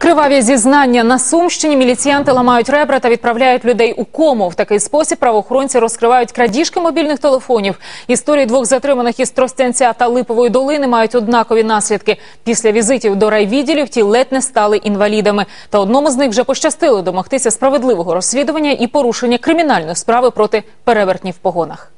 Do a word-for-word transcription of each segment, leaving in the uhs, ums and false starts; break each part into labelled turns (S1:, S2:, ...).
S1: Криваві зізнання. На Сумщині міліціянти ламають ребра та відправляють людей у кому. В такий спосіб правоохоронці розкривають крадіжки мобільних телефонів. Історії двох затриманих із Тростянця та Липової долини мають однакові наслідки. Після візитів до райвідділів ті ледь не стали інвалідами. Та одному з них вже пощастило домогтися справедливого розслідування і порушення кримінальної справи проти перевертнів в погонах.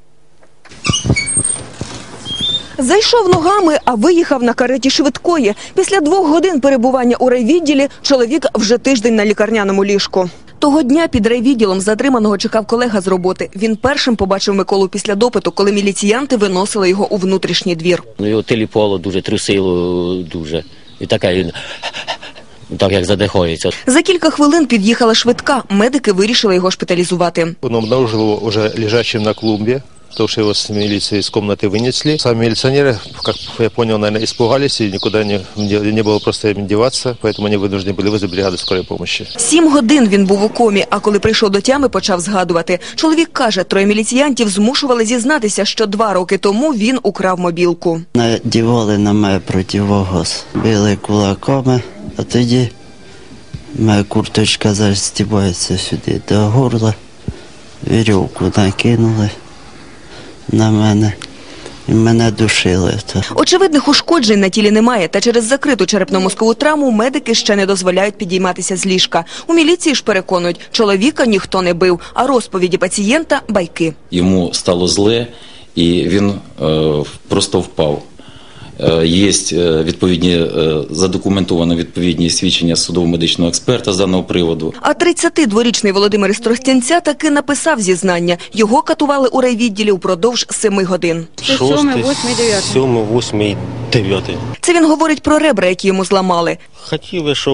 S2: Зайшов ногами, а виїхав на кареті швидкої. Після двох годин перебування у райвідділі чоловік вже тиждень на лікарняному ліжку. Того дня під райвідділом затриманого чекав колега з роботи. Він першим побачив Миколу після допиту, коли міліціянти виносили його у внутрішній двір.
S3: Ну, його теліпало дуже, трусило дуже. І таке він, так як задихається.
S2: За кілька хвилин під'їхала швидка. Медики вирішили його шпиталізувати.
S4: Он обнаружил его уже лежащим на клумбе, потому что его с милиции из комнаты вынесли. Сами милиционеры, как я понял, наверное, испугались и никуда не, не было просто им деваться, поэтому они вынуждены были вызвать бригаду скорой помощи.
S2: Сім годин він був у комі, а коли прийшов до тями, почав згадувати. Чоловік каже, троє міліціянтів змушували зізнатися, що два роки тому він украв мобілку.
S5: Надівали на мене противогаз, били кулаками, а тоді моя курточка застібається сюди до горла, вірьовку накинули на мене, і мене душили.
S2: Очевидних ушкоджень на тілі немає, та через закриту черепно-мозкову травму медики ще не дозволяють підійматися з ліжка. У міліції ж переконують, чоловіка ніхто не бив, а розповіді пацієнта – байки.
S6: Йому стало зле, і він е, просто впав. Є відповідні, задокументовані відповідні свідчення судово-медичного експерта з даного приводу.
S2: А тридцятидворічний Володимир із Тростянця таки написав зізнання. Його катували у райвідділі упродовж семи годин.
S7: Шостий, сьомий, восьмий, дев'ятий.
S2: Це він говорить про ребра, які йому зламали.
S7: Хотіли, щоб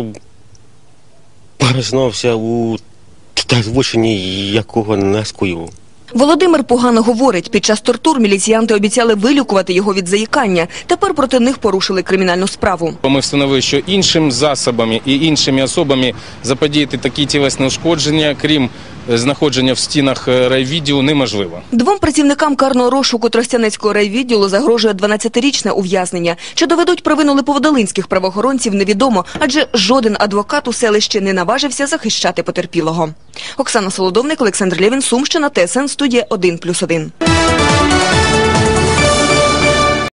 S7: признався у злочині, якого не скоїв.
S2: Володимир погано говорить. Під час тортур міліціянти обіцяли вилікувати його від заїкання. Тепер проти них порушили кримінальну справу.
S8: Ми встановили, що іншими засобами і іншими особами заподіяти такі тілесні ушкодження, крім знаходження в стінах райвідділу, неможливо.
S2: Двом працівникам карного розшуку Тростянецького райвідділу загрожує дванадцятирічне ув'язнення. Чи доведуть провину липоводолинських правоохоронців, невідомо, адже жоден адвокат у селищі не наважився захищати потерпілого. Оксана Солодовник, Олександр Лєвін, Сумщина, Т С Н, студія один плюс один.